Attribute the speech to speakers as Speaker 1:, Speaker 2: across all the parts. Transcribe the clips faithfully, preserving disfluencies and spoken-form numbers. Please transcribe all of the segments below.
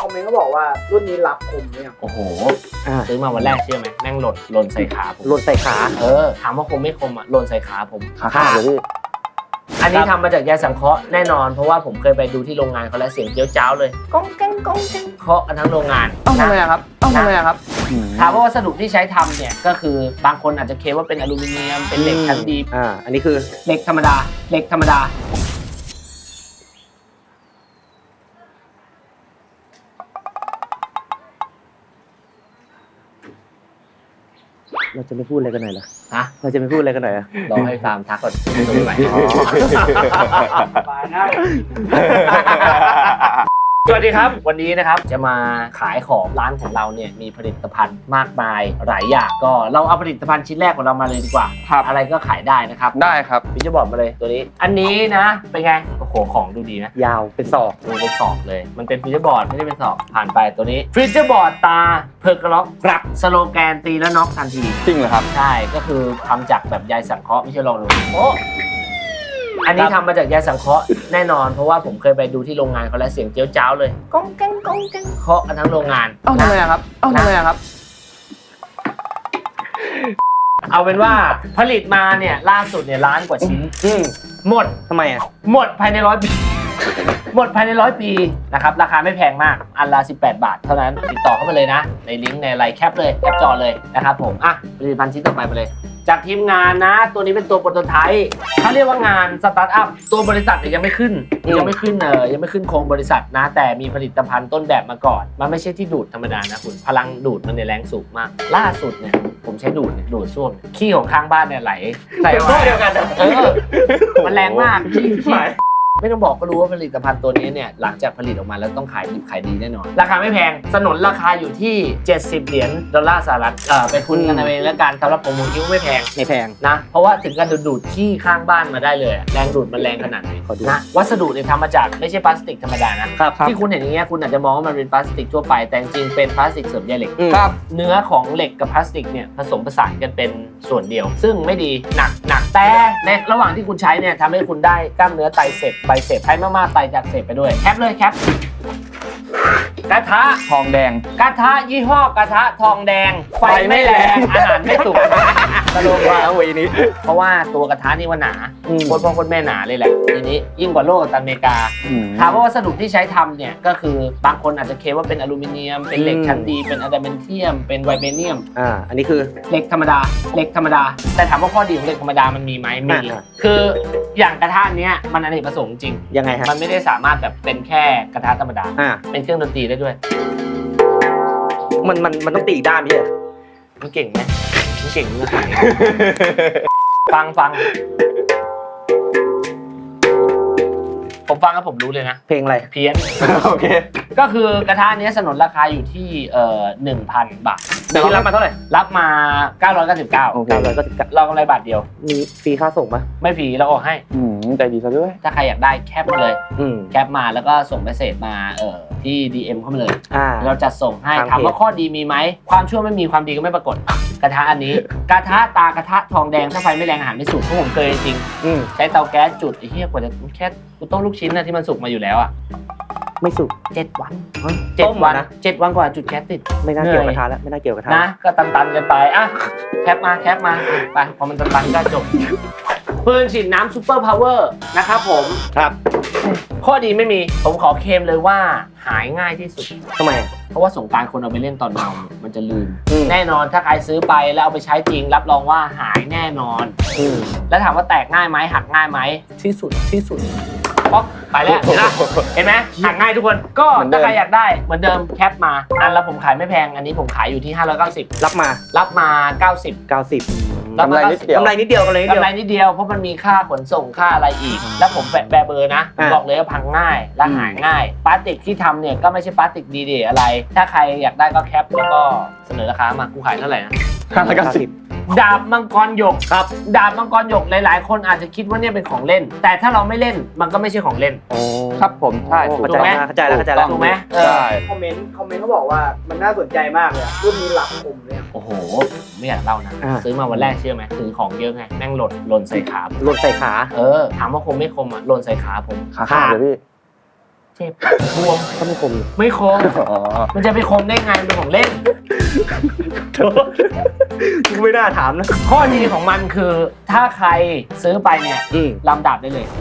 Speaker 1: อมเมนต์ก็บอกว่ารุ่นนี้รับคมเนี่ย
Speaker 2: โอ้โหซื้อมาวันแรกเชื่อไหมแม่งหล่นหล่นใส่ขาผม
Speaker 3: หล่นใส่ขา
Speaker 2: เออถามว่าคมไม่คมอ่ะหล่นใส่ขาผม
Speaker 3: ขาขาดเลยพี่
Speaker 2: อันนี้ทำมาจากใยสังเคราะห์แน่นอนเพราะว่าผมเคยไปดูที่โรงงานเขาแล้วเสียงเจี๊ยวจ้าวเลยก้องแก้งก้องแก้งเคาะกันทั้งโรงงาน
Speaker 3: ต้องทำไมครับต้องทำไมครับ
Speaker 2: ถามว่าวัสดุที่ใช้ทำเนี่ยก็คือบางคนอาจจะเคลมว่าเป็นอลูมิเนียมเป็นเหล็กชั้นดี
Speaker 3: อ่าอันนี้คือ
Speaker 2: เหล็กธรรมดาเหล็กธรรมดา
Speaker 3: เราจะไม่พูดอะไรกันหน่อยเหรอ
Speaker 2: ฮะ
Speaker 3: เราจะไม่พูดอะไรกันหน่อยอ่ะ
Speaker 2: รอให้ฟาร์มทักก่อนตัวใหม่สวัสดีครับวันนี้นะครับจะมาขายของร้านของเราเนี่ยมีผลิตภัณฑ์มากมายหลายอย่างก็เราเอาผลิตภัณฑ์ชิ้นแรกของเรามาเลยดีกว่าอะไรก็ขายได้นะครับ
Speaker 3: ได้ครับ
Speaker 2: พี่จะบอกมาเลยตัวนี้อันนี้นะเป็นไงโอ้โหของดูดีนะ
Speaker 3: ยาวเป็นศอก
Speaker 2: ดูเป็นศอกเลยมันเป็นฟิวเจอร์บอร์ดไม่ได้เป็นศอกผ่านไปตัวนี้ฟิวเจอร์บอร์ดตาเพอร์กล็อกกลับสโลแกนตีแล้วน็อกทันที
Speaker 3: จริงเหรอครับ
Speaker 2: ใช่ก็คือทำจากแบบใยสังเคราะห์ไม่ใช่ลองดูโอ้อันนี้ทำมาจากใยสังเคราะห์แน่นอนเพราะว่าผมเคยไปดูที่โรงงานเขาแล้วเสียงเจี๊ยวจ้าวเลยก้องแก้งก้องแก้งเคาะกันทั้งโรงงาน
Speaker 3: ต้องทำไมครับต้องทำไมครับ
Speaker 2: เอาเป็นว่าผลิตมาเนี่ยล่าสุดเนี่ยล้านกว่าชิ้นหมด
Speaker 3: ทำไมอ่ะ
Speaker 2: หมดภายในร้อยปีหมดภายในร้อยปีนะครับราคาไม่แพงมากอันละสิบแปดบาทเท่านั้นติดต่อเข้ามาเลยนะในลิงก์ในไลน์แคปเลยแคปจอเลยนะครับผมอ่ะผลิตภัณฑ์ชิ้นต่อไปมาเลยจากทีมงานนะตัวนี้เป็นตัวโปรโตไทป์เขาเรียกว่างานสตาร์ทอัพตัวบริษัทเนี่ยยังไม่ขึ้นยังไม่ขึ้นเออยังไม่ขึ้นโครงบริษัทนะแต่มีผลิตภัณฑ์ต้นแบบมาก่อนมันไม่ใช่ที่ดูดธรรมดานะคุณพลังดูดมันในแรงสูงมากล่าสุดเนี่ยผมใช้ดูดเนี่ยดูดส้วมขี้ของข้างบ้านเนี่ยไหลไหลมาเดียวกันเออมันแรงมากขี้ขี้ไม่ต้องบอกก็รู้ว่าผลิตภัณฑ์ตัวนี้เนี่ยหลังจากผลิตออกมาแล้วต้องขายดิบขายดีแน่นอนราคาไม่แพงสนนราคาอยู่ที่เจ็ดสิบเหรียญดอลลาร์สหรัฐเออไปทุนกันเอาเองแล้วกันสำหรับผมผมคิดว่าไม่แพง
Speaker 3: ไม่แพง
Speaker 2: นะเพราะว่าถึงการดูดขี้ข้างบ้านมาได้เลยแรงดูดมันแรงขนาดไหนนะวัสดุเนี่ยทำมาจากไม่ใช่พลาสติกธรรมดานะที่คุณเห็นอย่างเงี้ยคุณอาจจะมองว่ามันเป็นพลาสติกทั่วไปแต่จริงเป็นพลาสติกเสริมใยเหล็กเนื้อของเหล็กกับพลาสติกเนี่ยผสมผสานกันเป็นส่วนเดียวซึ่งไม่ดีหนักหนักแต่ในระหว่างที่คุณใช้เนี่ยทำให้คุณได้กล้ามเนื้อไตรเสพไบเสพใช้มากๆไตจากเสพไปด้วยแคปเลยแคปกระทะ
Speaker 3: ทองแดง
Speaker 2: กระทะยี่ห้อกระทะทองแดงไฟไม่แรงอาหารไม่สุกตลกว่า
Speaker 3: วันนี้
Speaker 2: เพราะว่าตัวกระทะนี่ว่าหนาคนพ่อคนแม่หนาเลยแหละทีนี้ยิ่งกว่าโลกอเมริกาถามว่าวัสดุที่ใช้ทำเนี่ยก็คือบางคนอาจจะเคลมว่าเป็นอลูมิเนียมเป็นเหล็กชั้นดีเป็นอะดามนเทียมเป็นไวเบเนียม
Speaker 3: อ่าอันนี้คือ
Speaker 2: เหล็กธรรมดาเหล็กธรรมดาแต่ถามว่าข้อดีของเหล็กธรรมดามันมีไหมมีคืออย่างกระทะเนี้ยมันอเนกประสงค์จริง
Speaker 3: ยังไงฮะ
Speaker 2: มันไม่ได้สามารถแบบเป็นแค่กระทะธรรมดาเป็นเครื่องดนตรีได้ด้วย
Speaker 3: มันมันมันต้องตีอีกด้านพี่เหรอ
Speaker 2: มันเก่งไหมมันเก่งมากฟังฟังผมฟังแล้วผมรู้เลยนะ
Speaker 3: เพลงอะไร
Speaker 2: เพี้ยน
Speaker 3: โอเค
Speaker 2: ก็คือกระทะนี้สนนราคาอยู่ที่เอ่อ หนึ่งพัน บาท
Speaker 3: แต่เรารับมาเท่าไหร่
Speaker 2: รับมาเก้าร้อยเก้าสิบเก้า
Speaker 3: โอเคเก้าร้อยเก้าสิบเก้า
Speaker 2: เรากำไรบาทเดียว
Speaker 3: มีฟรีค่าส่งป่ะ
Speaker 2: ไม่ฟรีเราออกให้
Speaker 3: อืมใจดีซะด้วย
Speaker 2: ถ้าใครอยากได้แคปมาเลยแคปมาแล้วก็ส่งเมสเสจมาเอ่อที่ ดี เอ็ม เข้ามาเลยเราจัดส่งให้ถามว่าข้อดีมีไหมความชั่วไม่มีความดีก็ไม่ปรากฏกระทะอันนี้กระทะตากระทะทองแดงถ้าไฟไม่แรงอาหารไม่สุกเพราะผมเคยจริงใช้เตาแก๊สจุดไอ้เหี้ยกว่าจะแค่กูต้มลูกชิ้นนะที่มันสุกมาอยู่แล้วอ่ะ
Speaker 3: ไม่สุก
Speaker 2: เจ็ดวันเจ็ดวันเจ็ดวันกว่าจุดแก๊สติด
Speaker 3: ไม่น่าเกี่ยวกระทะแล้วไม่น่าเกี่ยวกระทะ
Speaker 2: นะก็ตันๆกันไปอ่ะแคปมาแคปมาไปพอมันตันๆก็จบปืนฉีดน้ำซูเปอร์พาวเวอร์นะครับผม
Speaker 3: ครับ
Speaker 2: ข้อดีไม่มีผมขอเคลมเลยว่าหายง่ายที่สุด
Speaker 3: ทำไม
Speaker 2: เพราะว่าสงกรานต์คนเอาไปเล่นตอนเมามันจะลืมแน่นอนถ้าใครซื้อไปแล้วเอาไปใช้จริงรับรองว่าหายแน่นอนแล้วถามว่าแตกง่ายไหมหักง่ายไหมที่สุดที่สุดป๊อกไปแล้วนะเห็นไหมหักง่ายทุกคนก็ถ้าใครอยากได้เหมือนเดิมแคปมาอันแล้วผมขายไม่แพงอันนี้ผมขายอยู่ที่ห้าร้อยเก้าสิบ
Speaker 3: รับมา
Speaker 2: รับมาเก้าสิบ
Speaker 3: เก้าสิบ
Speaker 2: กำไรนิดเดียว
Speaker 3: กำไรนิดเดียวกำไรนิดเดียว
Speaker 2: กำไรนิดเดียวเพราะมันมีค่าขนส่งค่าอะไรอีกแล้วผมแปะแบเบอร์นะบอกเลยว่าพังง่ายและหายง่ายพลาสติกที่ทำเนี่ยก็ไม่ใช่พลาสติกดีเดย์อะไรถ้าใครอยากได้ก็แคปแล้วก็เสนอราคามากูขายเท่าไหร่นะ
Speaker 3: ห้าร้อยเก้าสิบ
Speaker 2: ดาบมังกรหยกครับดาบมังกรหยกหลายๆคนอาจจะคิดว่าเนี่ยเป็นของเล่นแต่ถ้าเราไม่เล่นมันก็ไม่ใช่ของเล่น
Speaker 3: โอ้ครับผมใช่
Speaker 2: ถูกไหม
Speaker 3: เข้าใจแล้วเข้าใจแล้ว
Speaker 2: ถูกไหม
Speaker 1: ใช่คอมเมนต์คอมเมนต์เขาบอกว่ามันน่าสนใจมากเลยรุ่นนี้รับคมเลย
Speaker 2: โอ้โหไม่อยากเล่านะซื้อมาวันแรกเชื่อไหมถือของเยอะไงแม่งหล่นหล่นใส่ขา
Speaker 3: หล่นใส่ขา
Speaker 2: เออถามว่าคมไม่คมอ่ะหล่นใส่ขาผม
Speaker 3: ขาขาดเลยพี่
Speaker 2: เจ็บบวม
Speaker 3: ก็ไม่คม
Speaker 2: ไม่คม
Speaker 3: อ๋อ
Speaker 2: มันจะไปคมได้ไงมันเป็นของเล่น
Speaker 3: โถกูไม่น่าถามนะ
Speaker 2: ข้อดีของมันคือถ้าใครซื้อไปเนี่ย
Speaker 3: อืม
Speaker 2: ลำดับได้เลย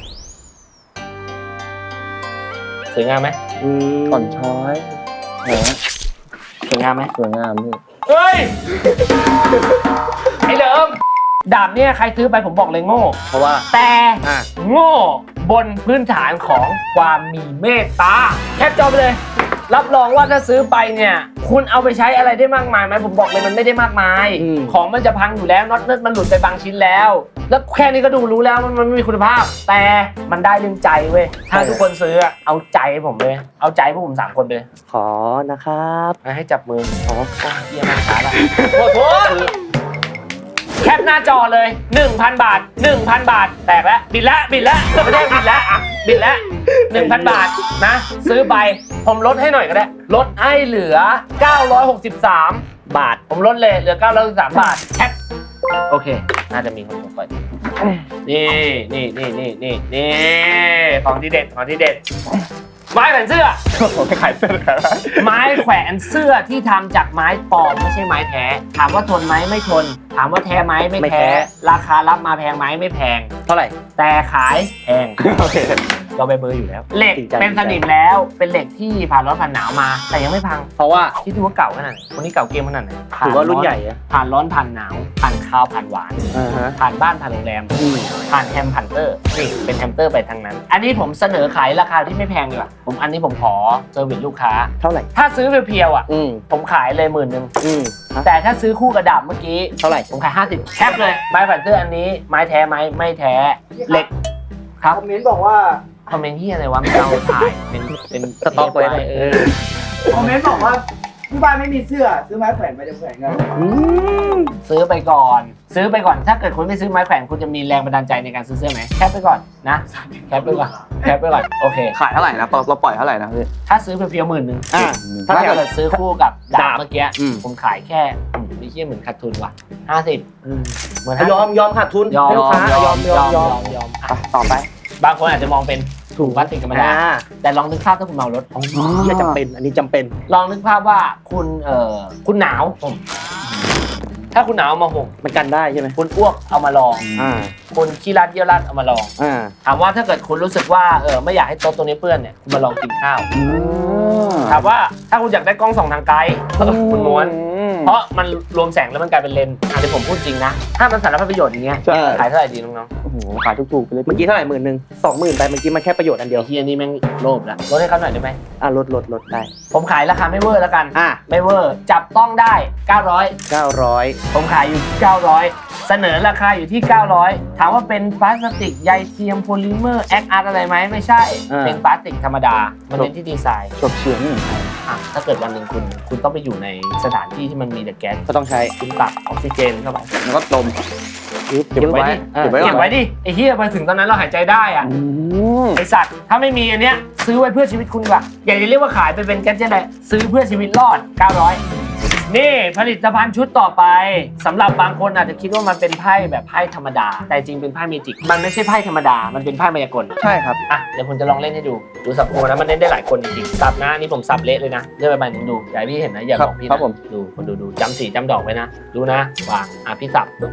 Speaker 2: สวยงามไหม
Speaker 3: อืม
Speaker 4: อ่อนช้อยแหม
Speaker 2: สวยงามไหม
Speaker 4: สวยงามพี่
Speaker 2: เฮ้ย ไอ้เหลิมดาบเนี่ยใครซื้อไปผมบอกเลยโง่
Speaker 3: เพราะว่า
Speaker 2: แต่
Speaker 3: อ่ะ
Speaker 2: โง่บนพื้นฐานของความมีเมตตาแคปจอไปเลย รับรองว่าถ้าซื้อไปเนี่ย คุณเอาไปใช้อะไรได้มากมายไหมผมบอกเลยมันไม่ได้มากมาย
Speaker 3: อืม
Speaker 2: ของมันจะพังอยู่แล้วน็อตเนิร์ดมันหลุดไปบางชิ้นแล้ว แล้วแค่นี้ก็ดูรู้แล้วมันมันไม่มีคุณภาพ แต่มันได้เรื่องใจเว้ยถ้าทุกคนซื้ออะเอาใจผมเลยเอาใจพวกผมสามคนไปเลย
Speaker 3: ขอนะครับ
Speaker 2: ให้จับมืออ๋อเยี่ยมมากครับโอ้โหแคปหน้าจอเลย หนึ่งพัน บาท หนึ่งพัน บาท แตกแล้ว บิดแล้ว บิดแล้วไม่ได้บิดแล้ว บิดแล้ว หนึ่งพัน บาทนะ ซื้อไป ผมลดให้หน่อยก็ได้ ลดให้เหลือ เก้าร้อยหกสิบสาม บาท ผมลดเลย เหลือ เก้าร้อยหกสิบสาม บาท แคป โอเค น่าจะมีคนส่งไปนี่ นี่ นี่ นี่ นี่ นี่ ของที่เด็ด ของที่เด็ด ไม้แขวนเสื้อ
Speaker 4: ผมไม่ขายเสื้อขายอะไร
Speaker 2: ไม้แขวนเสื้อที่ทำจากไม้ปลอมไม่ใช่ไม้แท้ ถามว่าทนไหมไม่ทน ถามว่าแท้ไหมไม่
Speaker 3: ไม่แท้
Speaker 2: แท้ ราคารับมาแพงไหมไม่แพง
Speaker 3: เท่าไหร่
Speaker 2: แต่ขายแพง
Speaker 4: โอเค
Speaker 2: เราไปเบอร์อยู่แล้ว เหล็ก
Speaker 3: จริงจัง
Speaker 2: เป็นสนิมแล้ว เป็นเหล็กที่ผ่านร้อนผ่านหนาวมา แต่ยังไม่พัง
Speaker 3: เพราะว่า
Speaker 2: ที่ดูว่าเก่าขนาดไหนคนนี้เก่าเกมขนาดไหน
Speaker 3: ถือว่ารุ่นใหญ่อะ
Speaker 2: ผ่านร้อนผ่านหนาว ผ่านคาวผ่านหวาน
Speaker 3: อ่าฮะ
Speaker 2: ผ่านบ้านผ่านโรงแรม
Speaker 3: อืม
Speaker 2: ผ่านแฮมผ่านเตอร์นี่เป็นแฮมเตอร์ไปทางนั้น อันนี้ผมเสนอขายราคาที่ไม่แพงดีกว่าผมอันนี้ผมขอเซอร์วิสลูกค้า
Speaker 3: เท่าไหร่
Speaker 2: ถ้าซื้อเพียวๆอ่ะ
Speaker 3: อืม
Speaker 2: ผมขายเลยหมื่นหนึ่ง
Speaker 3: อืมฮะ
Speaker 2: แต่ถ้าซื้อคู่กระดาบเมื่อกี้
Speaker 3: เท่าไหร่
Speaker 2: ผมขายห้าสิบแคปเลยไม้แผ่นเสื้ออันนี้ไม้แท้ไหมไม่แท้เหล็กครับ
Speaker 1: คอมเมนต์บอกว่า
Speaker 2: คอมเมนต์ที่อะไรวะไม่เอาถ่ายเป็นเป็น
Speaker 3: สต็อกไว้นะ
Speaker 2: เออ
Speaker 1: คอมเมนต์บอกว่าที่บ้านไม่มีเสื้อซื้อไม้แขวนไปจะแขวนกัน
Speaker 3: อืม
Speaker 2: ซื้อไปก่อน ซื้อไปก่อนถ้าเกิดคุณไม่ซื้อไม้แขวนคุณจะมีแรงบันดาลใจในการซื้อเสื้อไหมแคปไปก่อนนะแคปไปก่อนแคปไปก่อนโอเค
Speaker 4: ขายเท่าไหร่นะเราเราปล่อยเท่าไหร่นะพี่
Speaker 2: ถ้าซื้อเพียวๆหมื่นหนึ่ง
Speaker 3: อ่า
Speaker 2: ถ้าเกิดซื้อคู่กับดาบเมื่อกี้
Speaker 3: อืม
Speaker 2: ผมขายแค่อืมไม่เชี่ยเหมือนขาดทุนว่ะห้าสิบเหมือน
Speaker 3: ยอมยอมขาดทุน
Speaker 2: ยอม
Speaker 3: ให้ลูกค้ายอมยอมยอม
Speaker 2: ยอม
Speaker 3: อ่ะต่อไป
Speaker 2: บางคนอาจจะมองเป็นถุงพลาสติกธรรมดา
Speaker 3: อ่า
Speaker 2: แต่ลองนึกภาพถ้าคุณเมารถ
Speaker 3: ที่จำเป็นอันนี้จำเป็น
Speaker 2: ลองนึกภาพว่าคุณเอ่อคุณหนาวผมถ้าคุณหนาวเอามาห่ม
Speaker 3: มันกันได้ใช่ไหม
Speaker 2: คุณอ้วกเอามาลอง
Speaker 3: อ่า
Speaker 2: คุณขี้รัดเยี่ยวรัดเอามาลอง
Speaker 3: อ่า
Speaker 2: ถามว่าถ้าเกิดคุณรู้สึกว่าเออไม่อยากให้โต๊ะตรงนี้เปื้อนเนี่ยคุณมาลองกินข้าว
Speaker 3: อืม
Speaker 2: ถามว่าถ้าคุณอยากได้กล้องส่องทางไกลคุณม้วน เพราะมันรวมแสงแล้วมันกลายเป็นเลนส์อ่ะเดี๋ยวผมพูดจริงนะ ถ้ามันสารพัดประโยชน์อย่างเงี้ย
Speaker 3: ใช่
Speaker 2: ขายเท่าไหร่ดีน้อง
Speaker 4: โอ้โหขายถูกๆไปเลย
Speaker 3: เมื่อกี้เท่าไหร่หมื่นหนึ่งสองหมื่นไปเมื่อกี้มันแค่ประโยชน์อัน
Speaker 2: ๆ
Speaker 3: เดียว
Speaker 2: เฮียนี่แม่งโลภแล้วลดให้เขาหน่อยได้ไหม
Speaker 3: อ่ะลดลดลดได้
Speaker 2: ผมขายราคาไม่เวอร์แล้วกัน
Speaker 3: อ่ะ
Speaker 2: ไม่เวอร์จับต้องได้ เก้าร้อย
Speaker 3: เก้าร้อย
Speaker 2: ผมขายอยู่ เก้าร้อย เสนอราคาอยู่ที่ เก้าร้อย ถามว่าเป็นพลาสติกใยเทียมโพลิเมอร์แอคอาร์ตอะไรไหมไม่ใช่ เป็นพลาสติกธรรมดา มันเป็นที่ดีไซน์
Speaker 4: ฉกเฉียงนี่
Speaker 2: อ่ะถ้าเกิดวันหนึ่งคุณ คุณต้องไปอยู่ในสถานที่ที่มันมีแต่แก๊ส
Speaker 3: ก็ต้องใช้
Speaker 2: คุณตัดออกซิเจนเข้าไป
Speaker 4: แล้วก็ดม
Speaker 3: เก็บไว้ดิ
Speaker 4: เก็บไว้
Speaker 2: เก็บไว้ดิไอ้เหี้ยไปถึงตอนนั้นเราหายใจได้อ่ะ
Speaker 4: อืม
Speaker 2: ไอสัตว์ถ้าไม่มีอันเนี้ยซื้อไว้เพื่อชีวิตคุณดีกว่าอย่าจะเรียกว่าขายไปเป็นแก๊สเจ็ตเลยซื้อเพื่อชีวิตรอด เก้าร้อย นี่ผลิตภัณฑ์ชุดต่อไปสำหรับบางคนอาจจะคิดว่ามันเป็นไพ่แบบไพ่ธรรมดา แต่จริงเป็นไพ่เมจิกมันไม่ใช่ไพ่ธรรมดามันเป็นไพ่มายากล
Speaker 3: ใช่ครับ
Speaker 2: อ่ะเดี๋ยวผมจะลองเล่นให้ดูดูสับโพนะมันเล่นได้หลายคนจริงๆสับนะอันนี่ผมสับเละเลยนะเลือกไปใบหนึ่งดูอย่าให้พี่เห็นนะอย่าบอกพี่
Speaker 4: ครั
Speaker 2: นะ
Speaker 4: บผม
Speaker 2: ดูคนดูดูจำสีจำดอกไว้นะดูนะวางอ่ะพี่สับปุ๊บ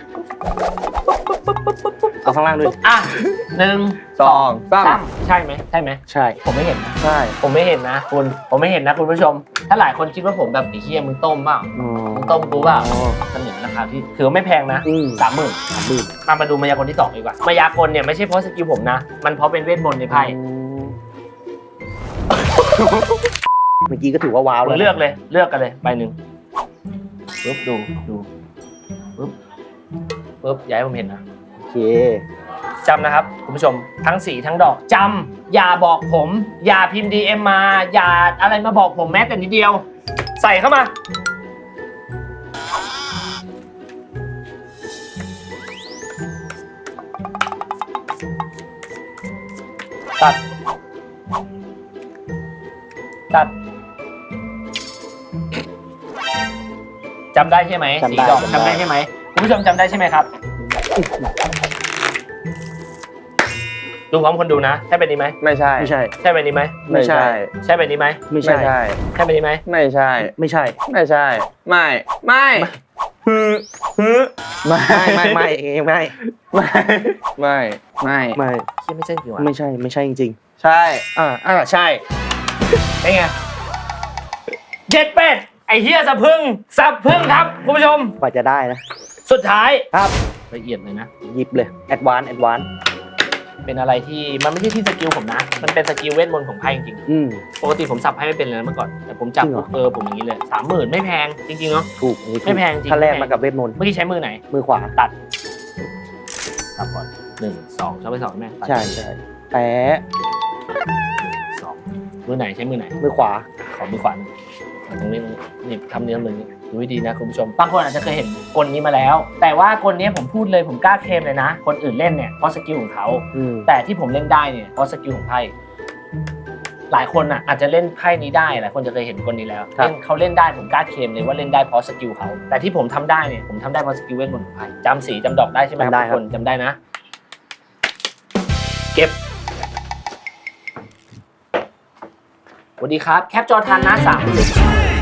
Speaker 3: เอาข้างล่างด้วย
Speaker 2: อ่ะหนึ่ง
Speaker 4: สองสาม
Speaker 2: สามใช่ไหมใช่ไหม
Speaker 3: ใช่
Speaker 2: ผมไม่เห็นนะ
Speaker 3: ใช่
Speaker 2: ผมไม่เห็นนะคุณผมไม่เห็นนะคุณผู้ชม ถ้าหลายคนคิดว่าผมแบบไอ้เหี้ยมึงต้มเปล่า
Speaker 3: อ๋อ
Speaker 2: มึงต้มกูเปล่าเสนอราคาที่ถือว่าไม่แพงนะ
Speaker 3: อืม
Speaker 2: สามหมื่น
Speaker 3: สามหมื่น
Speaker 2: มามาดูมายากลที่สองดีกว่ามายากลเนี่ยไม่ใช่เพราะสกิลผมนะ มันเพราะเป็นเวทมนต์ในไพ่
Speaker 3: เมื่อกี้ก็ถือว่าว้าว
Speaker 2: คุ
Speaker 3: แล้
Speaker 2: ณ
Speaker 3: ว
Speaker 2: เลือกเลยเลือกกันเลยใบหนึ่งปึ๊บดูดูปึ๊บปึ๊บอย่าให้ผมเห็นนะ
Speaker 3: โอเค
Speaker 2: จำนะครับคุณผู้ชมทั้งสีทั้งดอกจำอย่าบอกผม อย่าพิมพ์ ดี เอ็ม มา อย่าอะไรมาบอกผมแม้แต่นิดเดียว ใส่เข้ามา ตัด ตัดจำได้ใช่ไหม
Speaker 3: จำ
Speaker 2: สี
Speaker 3: ได้
Speaker 2: ดอก
Speaker 3: จำได้
Speaker 2: จำได้ใช่ไหมคุณผู้ชมจำได้ใช่ไหมครับดูพร้อมคนดูนะใช่เป็นนี้ไหม
Speaker 4: ไม่ใช่
Speaker 3: ไม่ใช่
Speaker 2: ใช่เป็นนี้ไหม
Speaker 3: ไม่ใช่
Speaker 2: ใช่เป็นนี้ไหม
Speaker 3: ไม่
Speaker 4: ไม่
Speaker 3: ใช่
Speaker 4: ใช่
Speaker 2: ใช่เป็นนี้ไหม
Speaker 4: ไม่ใช่
Speaker 3: ไม่ใช่
Speaker 4: ไม่ใช่ ไม่ ไม่ฮือฮือไม่
Speaker 3: ไม่ไม่ไม่เองไม่
Speaker 4: ไม่ ไม่ ไม่
Speaker 3: ไม่
Speaker 2: เชี่ยไม่ใช่จริงวะ
Speaker 3: ไม่ใช่ไม่ใช่จริง
Speaker 4: ใช่
Speaker 3: ๆอ่าอ่าใช่
Speaker 2: เป็นไงเจ็ดเป็ดไอเฮียสะพึ่งสับพึ่งครับคุณผู้ชม
Speaker 3: กว่าจะได้นะ
Speaker 2: สุดท้าย
Speaker 3: ครับ
Speaker 2: ละเอียดเลยนะ
Speaker 3: หยิบเลยแอดวานแอดวาน
Speaker 2: เป็นอะไรที่มันไม่ใช่ที่สกิลผมนะ มันเป็นสกิลเวทมนต์ของไพ่จริง
Speaker 3: อืม
Speaker 2: ๆปกติผมสับไพ่ไม่เป็นเลยนะเมื่อก่อนแต่ผมจับ
Speaker 3: จริงเหรอ
Speaker 2: เออผมอย่างนี้เลยสามหมื่นไม่แพงจริงๆเนาะ
Speaker 3: ถูกอันนี้ถูก
Speaker 2: ไม่แพงจริง
Speaker 3: ถ้าแรก
Speaker 2: ไม่แพง
Speaker 3: มากับเวทมนต์
Speaker 2: เมื่อกี้ใช้มือไหน
Speaker 3: มือขวา
Speaker 2: ตัดสับก่อนหนึ่งสองชอบไปสองแม่ตัด
Speaker 3: ใช่ใช่แปะ
Speaker 2: สองมือไหนใช้มือไหน
Speaker 3: มือขวา
Speaker 2: ขอมือขวาหนึ่งตรงนี้นี่ทำเนื้อมือนี้ดูให้ดีนะคุณผู้ชมบางคนอาจจะเคยเห็นกลนี้มาแล้ว แต่ว่ากลนี้ผมพูดเลยผมกล้าเคลมเลยนะ คนอื่นเล่นเนี่ยเพราะสกิลของเขา
Speaker 3: อืม
Speaker 2: แต่ที่ผมเล่นได้เนี่ยเพราะสกิลของไพ่หลายคนอ่ะอาจจะเล่นไพ่นี้ได้หลายคนจะเคยเห็นกลนี้แล้วเล่นเขาเล่นได้ผมกล้าเคลมเลยว่าเล่นได้เพราะสกิลเขาแต่ที่ผมทำได้เนี่ยผมทำได้เพราะสกิลเวทมนต์ของไพ่จำสีจำดอกได้ใช่ไหมครับทุกคนจำได้นะ เก็บสวัสดีครับแคปจอทันนะสามหมื่น